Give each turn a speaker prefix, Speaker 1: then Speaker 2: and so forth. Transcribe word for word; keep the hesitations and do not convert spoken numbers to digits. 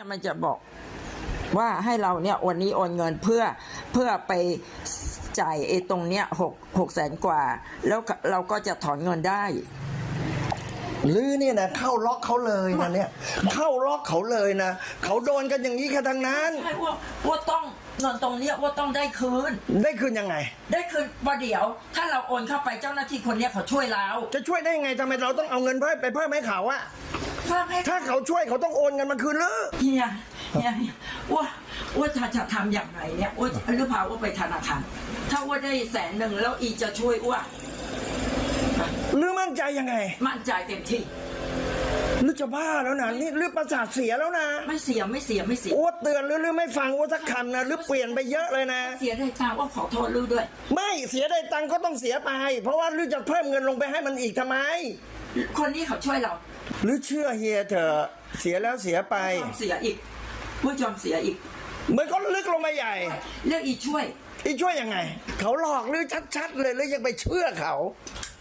Speaker 1: เนี่ยมันจะบอกว่าให้เราเนี่ยวันนี้โอนเงินเพื่อเพื่อไปจ่ายไอ้ตรงเนี้ยหกหกแสนกว่าแล้วเราก็จะถอนเงินได้
Speaker 2: ลือเนี่ยนะเข้าล็อกเขาเลยนะเนี่ยเข้าล็อกเขาเลยนะเขาโดนกันอย่างนี้แค่ทั้งนั้น
Speaker 1: ใช่ว่าว่าต้องเงินตรงเนี้ยว่าต้องได้คืน
Speaker 2: ได้คืนยังไง
Speaker 1: ได้คืนประเดี๋ยวถ้าเราโอนเข้าไปเจ้าหน้าที่คนเนี้ยเขาช่วยเรา
Speaker 2: จะช่วยได้ยังไงทำไมเราต้องเอาเงินเพิ่มไปเพิ่มให้เขาอะถ้าเขาช่วยเขาต้องโอนเงินมาคืนหรือ
Speaker 1: เฮียเฮียว่าว่าจะจะทำอย่างไรเนี่ยว่าหรือเปล่าว่าไปธนาคารถ้าว่าได้แสนหนึ่งแล้วอีจะช่วยว่า
Speaker 2: หรือมั่นใจยังไง
Speaker 1: มั่นใจเต็มที่
Speaker 2: หรือจะบ้าแล้วนะนี่หรือประสาทเสียแล้วนะ
Speaker 1: ไม่เสียไม่เสียไม่เสีย
Speaker 2: อ้วเตือนหรือหรือไม่ฟังอ้วสักคำนะหรือเปลี่ยนไปเยอะเลยนะ
Speaker 1: เสียได้ตังค์ว่าขอโทษลือด้วย
Speaker 2: ไม่เสียได้ตังค์ก็ต้องเสียไปเพราะว่าลือจะเพิ่มเงินลงไปให้มันอีกทำไม
Speaker 1: คนนี้เขาช่วยเรา
Speaker 2: หรือเชื่อเฮียเถอะเสียแล้วเสียไป
Speaker 1: เสียอีกผู้ยอมเสียอีก
Speaker 2: มันก็ลึกลงมาใหญ่
Speaker 1: เรื่องอีช่วย
Speaker 2: อีช่วยยังไงเขาหลอกหรือชัดๆเลยหรือยังไปเชื่อเขา